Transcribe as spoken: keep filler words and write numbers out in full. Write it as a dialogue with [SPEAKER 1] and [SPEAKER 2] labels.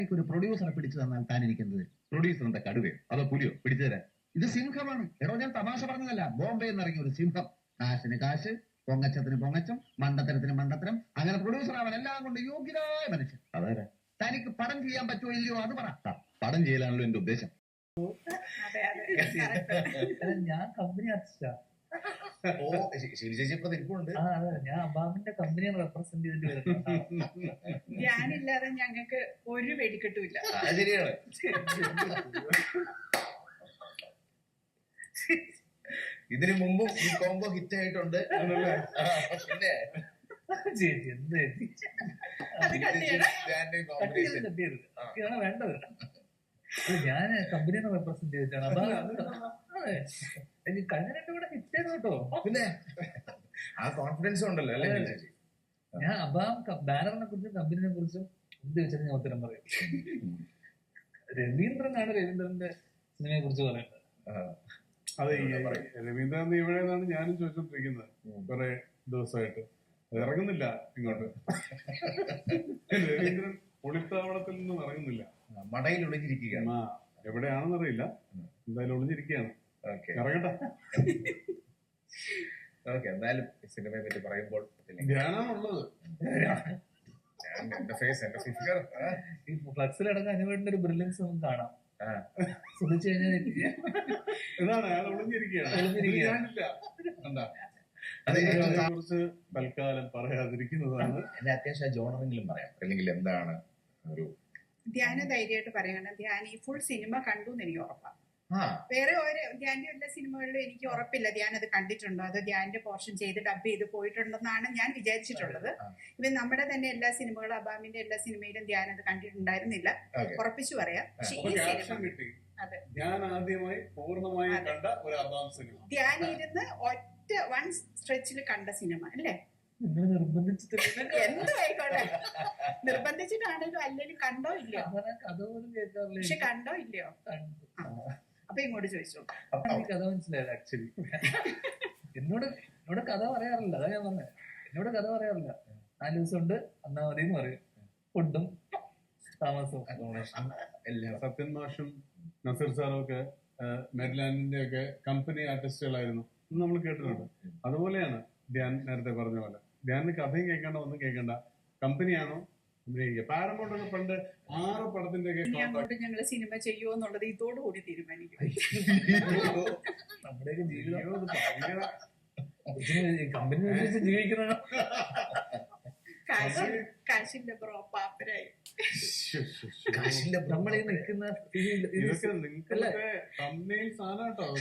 [SPEAKER 1] ഒരു പ്രൊഡ്യൂസറെ പിടിച്ചു തന്നാൽ താൻ എനിക്കെന്ത്?
[SPEAKER 2] പ്രൊഡ്യൂസർ എന്താ കടുവയോ അതോ പുലിയോ പിടിച്ചു തരാൻ?
[SPEAKER 1] ഇത് സിംഹമാണ്. എടോ, ഞാൻ തമാശ പറഞ്ഞതല്ല. ബോംബെ എന്നിറങ്ങിയ ഒരു സിംഹം. കാശിന് കാശ്, പൊങ്ങച്ചത്തിന് പൊങ്ങച്ചം, മണ്ടത്തരത്തിന് മണ്ടത്തരം. അങ്ങനെ പ്രൊഡ്യൂസർ അവൻ എല്ലാം കൊണ്ട് യോഗ്യരായ മനുഷ്യൻ.
[SPEAKER 2] അതാരാ?
[SPEAKER 1] തനിക്ക് പടം ചെയ്യാൻ പറ്റുമോ ഇല്ലയോ അത് പറ.
[SPEAKER 2] ആ, പടം ചെയ്യലാണല്ലോ എന്റെ ഉദ്ദേശം.
[SPEAKER 3] ഞാൻ കമ്പനി ആർട്ടിസ്റ്റാ.
[SPEAKER 2] ഓ ശരി ചേച്ചി ഇപ്പൊ തിരിപ്പുണ്ട്.
[SPEAKER 3] ആ അതെ, ഞാൻ അബാമിന്റെ കമ്പനിയെ റെപ്രസെന്റ് ചെയ്തിട്ട് വരുന്നത്.
[SPEAKER 4] ഞാനില്ലാതെ ഞങ്ങൾക്ക് ഒരു വെടിക്കെട്ടുമില്ല.
[SPEAKER 2] ശരിയാണ്. ഇതിനു മുമ്പും ഈ കോംബോ ഹിറ്റ് ആയിട്ടുണ്ട്. പിന്നെ
[SPEAKER 3] ചേച്ചി എന്ത് ചേച്ചി
[SPEAKER 4] അത് കണ്ടിയാണ്
[SPEAKER 3] കട്ട് ചെയ്ത് കട്ട് ചെയ്ത് ഇതാണ് വേണ്ടത്. ഞാൻ കമ്പനിയെ റെപ്രസെന്റ് ചെയ്തിട്ടാണ്. അപ്പൊ കഴിഞ്ഞ രണ്ടും കൂടെ ഹിറ്റ് ചെയ്തു കേട്ടോ.
[SPEAKER 2] പിന്നെ ആ കോൺഫിഡൻസ് ഉണ്ടല്ലോ അല്ലേ ചേച്ചി?
[SPEAKER 3] ഞാൻ അബാം ബാനറിനെ കുറിച്ചും കമ്പനിനെ കുറിച്ചും എന്ത് വെച്ചാൽ ഞാൻ ഉത്തരം പറയും. രവീന്ദ്രനാണ് രവീന്ദ്രന്റെ സിനിമയെ കുറിച്ച് പറയുന്നത്.
[SPEAKER 5] അതെ, രവീന്ദ്രൻ ഇവിടെയാണ് ഞാനും ചോദിച്ചോണ്ടിരിക്കുന്നത് കുറെ ദിവസമായിട്ട്. അത് ഇറങ്ങുന്നില്ല ഇങ്ങോട്ട്. രവീന്ദ്രൻ ഒളിത്താവളത്തിൽ നിന്നും ഇറങ്ങുന്നില്ല.
[SPEAKER 2] മടയിൽ ഒളിഞ്ഞിരിക്കുകയാണ്.
[SPEAKER 5] ആ എവിടെയാണെന്നറിയില്ല, എന്തായാലും ഒളിഞ്ഞിരിക്കുകയാണ്. ഇറങ്ങട്ടെ.
[SPEAKER 2] ഓക്കെ, എന്തായാലും സിനിമയെ പറ്റി പറയുമ്പോൾ
[SPEAKER 5] ധ്യാനാണുള്ളത്.
[SPEAKER 2] എന്റെ ഫേസ് എന്റെ ഫിഗർ
[SPEAKER 3] ഈ ഫ്ലക്സിലടക്കം അനുവേണ്ട ഒരു ബ്രില്യൻസ് നമുക്ക് കാണാം. ശ്രദ്ധിച്ചു കഴിഞ്ഞാൽ
[SPEAKER 5] ഇതാണ് അയാൾ ഒളിഞ്ഞിരിക്കുകയാണ്. അതിനെ കുറിച്ച് തൽക്കാലം പറയാതിരിക്കുന്നതാണ്.
[SPEAKER 2] എന്നെ അത്യാവശ്യം ജോണറെങ്കിലും പറയാം, അല്ലെങ്കിൽ എന്താണ് ഒരു
[SPEAKER 4] ധ്യാന ധൈര്യമായിട്ട് പറയണം. ധ്യാൻ ഈ ഫുൾ സിനിമ കണ്ടു എന്ന് എനിക്ക് ഉറപ്പാണ്.
[SPEAKER 2] ആ
[SPEAKER 4] വേറെ ഒരു ധ്യാന്റെ എല്ലാ സിനിമകളിലും എനിക്ക് ഉറപ്പില്ല ധ്യാൻ അത് കണ്ടിട്ടുണ്ടോ, അത് ധ്യാന്റെ പോർഷൻ ചെയ്ത് ഡബ് ചെയ്ത് പോയിട്ടുണ്ടെന്നാണ് ഞാൻ വിചാരിച്ചിട്ടുള്ളത്. ഇവൻ നമ്മുടെ തന്നെ എല്ലാ സിനിമകളും അബാമിന്റെ എല്ലാ സിനിമയിലും ധ്യാൻ അത് കണ്ടിട്ടുണ്ടായിരുന്നില്ല, ഉറപ്പിച്ചു പറയാം. പക്ഷെ ഈ സിനിമ
[SPEAKER 5] കിട്ടി. ഞാൻ ആദ്യമായി പൂർണ്ണമായി കണ്ട ഒരു അബാം സിനിമ.
[SPEAKER 4] ധ്യാൻ ഇരുന്ന് ഒറ്റ വൺ സ്ട്രെച്ചിൽ കണ്ട സിനിമ അല്ലേ?
[SPEAKER 3] നിങ്ങൾ നിർബന്ധിച്ചിട്ട്
[SPEAKER 4] എന്തോ ആയിക്കോട്ടെ, നിർബന്ധിച്ചിട്ടാണേലും അല്ലെങ്കിൽ കണ്ടോ ഇല്ലയോ?
[SPEAKER 3] കഥ പോലും കേൾക്കാറില്ല.
[SPEAKER 4] പക്ഷെ കണ്ടോ ഇല്ലയോ? അപ്പൊ ഇങ്ങോട്ട് ചോദിച്ചോ.
[SPEAKER 3] കഥ മനസ്സിലായത് ആക്ച്വലി. എന്നോട് എന്നോട് കഥ പറയാറില്ല, അതാ ഞാൻ പറഞ്ഞത്. എന്നോട് കഥ പറയാറില്ല. നാല് ദിവസം ഉണ്ട് അന്നാ മതി എന്ന് പറയും. ഫുഡും താമസവും.
[SPEAKER 5] സത്യൻ മാഷും നസീർ സാറും ഒക്കെ മെരിലാൻഡിന്റെ ഒക്കെ കമ്പനി ആർട്ടിസ്റ്റുകളായിരുന്നു നമ്മൾ കേട്ടിട്ടുണ്ട്. അതുപോലെയാണ് ധ്യാൻ നേരത്തെ പറഞ്ഞ പോലെ. ധ്യാനിന് കഥയും കേൾക്കേണ്ട ഒന്നും കേൾക്കണ്ട, കമ്പനിയാണോ അഭിനയിക്കുക. പാരമൗണ്ടൊക്കെ പണ്ട് ആറ് പടത്തിന്റെ ഒക്കെ
[SPEAKER 4] അങ്ങോട്ട് ഞങ്ങള് സിനിമ ചെയ്യുമോ എന്നുള്ളത് ഇതോടുകൂടി തീരുമാനിക്കും.
[SPEAKER 3] നമ്മുടെയൊക്കെ ജീവിതം കമ്പനി ജീവിക്കുന്ന
[SPEAKER 4] കാശിന്റെ ബ്രോ പാപ്പരായി
[SPEAKER 3] നമ്മളീ നിൽക്കുന്ന
[SPEAKER 5] ഇതൊക്കെ നിങ്ങൾക്ക് സാധനം കേട്ടോ.